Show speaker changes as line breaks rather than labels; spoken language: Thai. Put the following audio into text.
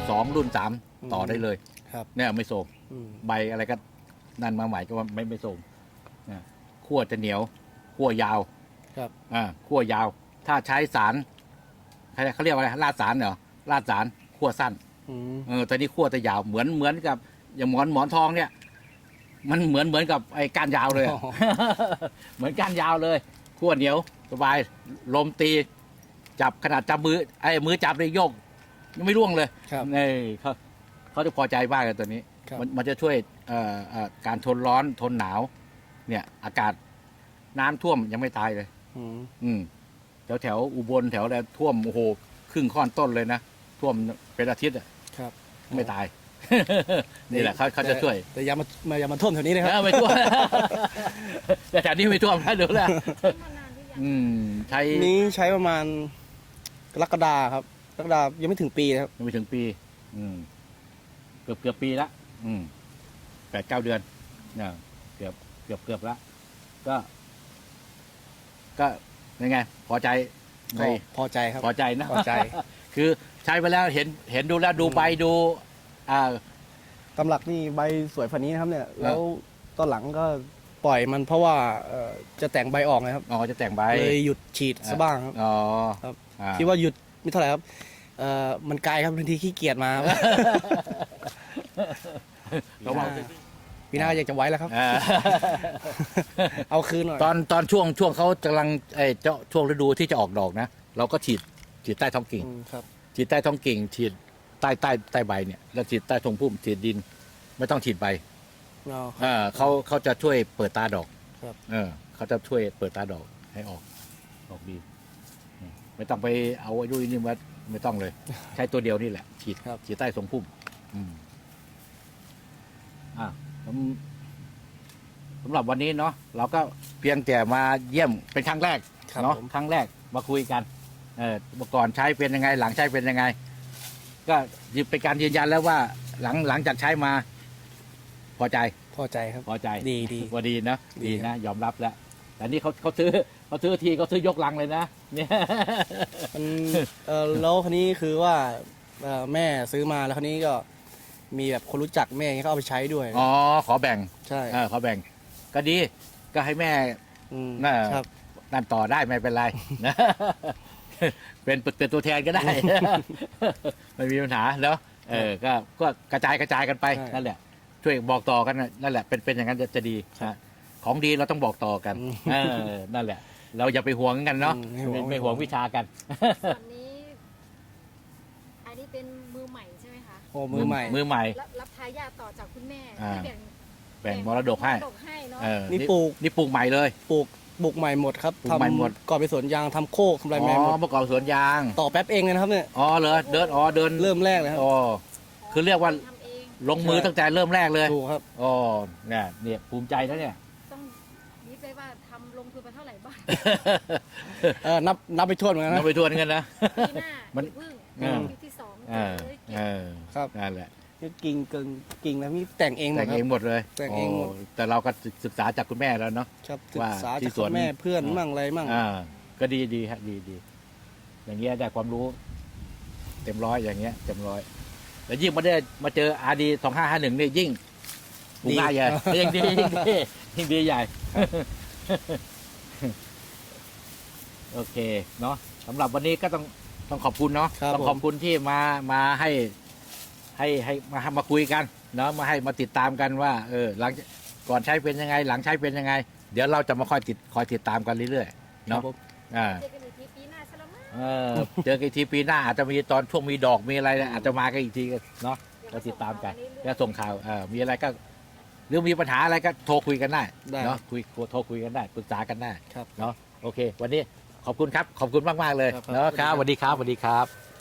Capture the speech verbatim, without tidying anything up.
สองรุ่นสามต่อได้เลย
ครับ
เนี่ยไม่โทรม
อืม
ใบอะไรก็นั่นมาใหม่ก็ว่าไม่ไม่โทรมนะขั้วจะเหนียวขั้วยาว
ครับ
อ่าขั้วยาว ถ้าใช้สารเขาเรียกว่าอะไรลาดสารเหรอลาดสารขั้วสั้น
อืม
เออแต่นี่ขั้วจะยาวเหมือนเหมือนกับอย่างหมอนหมอนทองเนี่ย มันเหมือนเหมือนกับไอ้ก้านยาวเลยอะ เหมือนก้านยาวเลยขั้วเหนียวสบายลมตีจับขนาดจับมือไอ้มือจับเลยโยกยังไม่ร่วงเลย
ครับ
นี่เขาเขาจะพอใจมากเลยตัวนี้
ครับ
มันมันจะช่วยเอ่อเอ่อการทนร้อนทนหนาว เนี่ย อากาศน้ำท่วมยังไม่ตายเลย
อืม
อืมแถวแถวอุบลแถวอะไรท่วมโอ้โหครึ่งข้อนต้นเลยนะท่วมเป็นอาทิตย์อะ
ครับ
ไม่ตาย นี่แหละเขาเขาจะช่วย
แต่อย่ามามาอย่ามาท่วมแถวนี้นะครับ
เออไม่ท่วม แต่แถวนี้ไม่ท่วมนะดูแลว
มานานหรือยัง
อืมใช้
นี้ใช้ประมาณกรกฎาครับกรกฎายังไม่ถึงปีนะครับ
ยังไม่ถึงปี อืม เกือบเกือบปีละอืมแปดเก้าเดือนเนี่ยเกือบเกือบเกือบละก็ ก็ยังไง พอใจใน
ก็พอใจครับ
พอใจนะ
พอใจ
คือใช้ไปแล้วเห็นเห็นดูแล้วดูใบดู อ่า
ตำหลักนี่ใบสวยฝันนี้นะครับ เนี่ย แล้วตอนหลังก็ปล่อยมันเพราะว่าเอ่อจะแต่งใบออกนะครับ
อ๋อจะแต่งใบ
เลยหยุดฉีดซะบ้างครับ
อ๋อ
ครับ
อ่า
คิดว่าหยุดไม่เท่าไหร่ครับเอ่อมันไกลครับบางทีขี้เกียจมาครับ
ระวัง
ปีหน้าอยากจะไว้แล้วครับ
อ่า
เอาคืนหน่อย
ตอนตอนช่วงช่วงเขากำลังไอ้เจ้าช่วงฤดูที่จะออกดอกนะ เราก็ฉีดฉีดใต้ท้องกิ่ง
อืมครับ
ฉีดใต้ท้องกิ่งฉีดใต้ใต้ใต้ใบเนี่ยแล้วฉีดใต้ทงพุ่มฉีดดิน ไม่ต้องฉีดใบ
เอา
อ่าเขาเขาจะช่วยเปิดตาดอก
ครับ
เออเขาจะช่วยเปิดตาดอกให้ออกออกดีอืมไม่ต้องไปเอาไอ้ดุยนี่มาไม่ต้องเลย ใช้ตัวเดียวนี่แหละ ฉีด
ครับ
ฉีดใต้ทรงพุ่ม อืมอ่าสำสำหรับวันนี้เนาะเราก็เพียงแต่มาเยี่ยมเป็นครั้งแรก
ครับ
เนาะ
ผม
ครั้งแรกมาคุยกัน เออก่อนใช้เป็นยังไง หลังใช้เป็นยังไง ก็เป็นการยืนยันแล้วว่า หลังหลังจากใช้มา พอใจ
พอใจครับ
พอใจ
ดีดี
ว่าดีนะ
ดี
ดี
ครั
นะ
บ
ยอมรับแล้ว แต่นี่เขาเขาซื้อเขาซื้อทีเขาซื้อยกลังเลยนะเนี่ย
มันเออแล้วคนนี้คือว่าเอ่อแม่ซื้อมาแล้วคนนี้ก็มีแบบคนรู้จักแม่อย่างเงี้ยก็เอาไปใช้ด้วย
อ๋อขอแบ่ง
ใช่
เออขอแบ่ง ก็ดี ก็ให้แม่
ม
น่า
ครับ
นั่นต่อได้ไม่เป็นไร นะ เป็นเป็นตัวแทนก็ได้ ไม่มีปัญหาเนาะเออก็ก็กระจายกระจายกันไป
ใช่
นั่นแหละ ช่วยบอกต่อกันน่ะนั่นแหละเป็นเป็นอย่างนั้นจะจะดีนะของดีเราต้องบอกต่อกัน
อืม
เออนั่นแหละ เราอย่าไปหวงกันเนาะ
อืมไม่หวง
ไม่ไม่หวงวิชากัน
ส่วนนี้ อันนี้เป็นมือใหม่ใช่ไหมคะ
โอ้มือใหม่
มือใหม่
รับรับทายาทต่อจากคุณแม่
อ่า
ที่แบ่ง
แบ่งมรดกให้
มรดกให้เนาะ
เออ
นี่ปลูก
นี่ปลูกใหม่เลย
ปลูกปลูกใหม่หมดครับ
ปลูกใหม่หมด
ก่อนไปสวนยางทำโคกทำอะไร
อ๋
ใหม่หม
อ
ด
ประกอบสวนยาง
ต่อแป๊บเองเลยนะครับเนี่ย
อ๋อเหรอเดินอ๋อเดิน
เริ่มแรกเลยครับ
อ๋อคือเรียกว่า
ทำเอง
ลงมือตั้งแต่เริ่มแรกเลย
ถูกครับ
อ๋อเนี่ยเนี่ยภูมิใจนะเนี่ย
ต้องนี่ไปว่าทำลงทุนไปเท่าไหร่บ้าง
เออนับนับไปทวนเหมือนกัน
เรา
นะ
ไปทวนกันนะ
ปีหน้า
มัน
อย่าพึ่ง
เออ
ปีที่สอง
เออ
เลย
เออ
ครับ
นั่นแหละ
นี่กิ่งกึ่งกิ่งแล้วนี่แต่งเองหม
แต่
ด
ง
ครั
เอง
บ
หมดเลย
แต่งเองหมด
โแต่เราก็ศึกษาจากคุณแม่แล้วเนาะ
ครับศึ
ว่าก
ษา
ที่
จาก
สวน
แม่เพื่อน
อ่า
มั่งอะไรมั่ง
อ่า ก็ดีดีฮะดีดีอย่างเงี้ยได้ความรู้ เต็มร้อยอย่างเงี้ยเต็มร้อยแล้วยิ่งมาได้มาเจออาดีสองห้าห้าหนึ่งนี่ยิ่งปลูกง่ายใหญ่ยิ่งดียิ่งดียิ่งดีใหญ่ โอเคเนาะสำหรับวันนี้ก็ต้องต้องขอบคุณเนาะ
ครับ
ต้องขอบคุณที่มามาให้ ให้ให้มามาคุยกันเนาะมาให้มาติดตามกันว่า เออ หลังก่อนใช้เป็นยังไง หลังใช้เป็นยังไง เดี๋ยวเราจะมาคอยติดคอยติดตามกันเรื่อยๆ
ครับ
เนาะ
ผม
อ่า
เจอกันอีกทีปีหน้าซะแล้วมั้ง
เออเจอกันอีกทีปีหน้าอาจจะมีตอนช่วงมีดอกมีอะไรเนี่ยอาจจะมากันอีกทีเนาะเราติดตามกันก็ส่งข่าวเออมีอะไรก็หรือมีปัญหาอะไรก็โทรคุยกันได้
ได้
เนาะคุยโทรคุยกันได้ปรึกษากันได้
ครับ
เนาะโอเค วันนี้ขอบคุณครับ ขอบคุณมากๆเลย
ครับ
เนาะครับสวัสดีครับสวัสดีครับ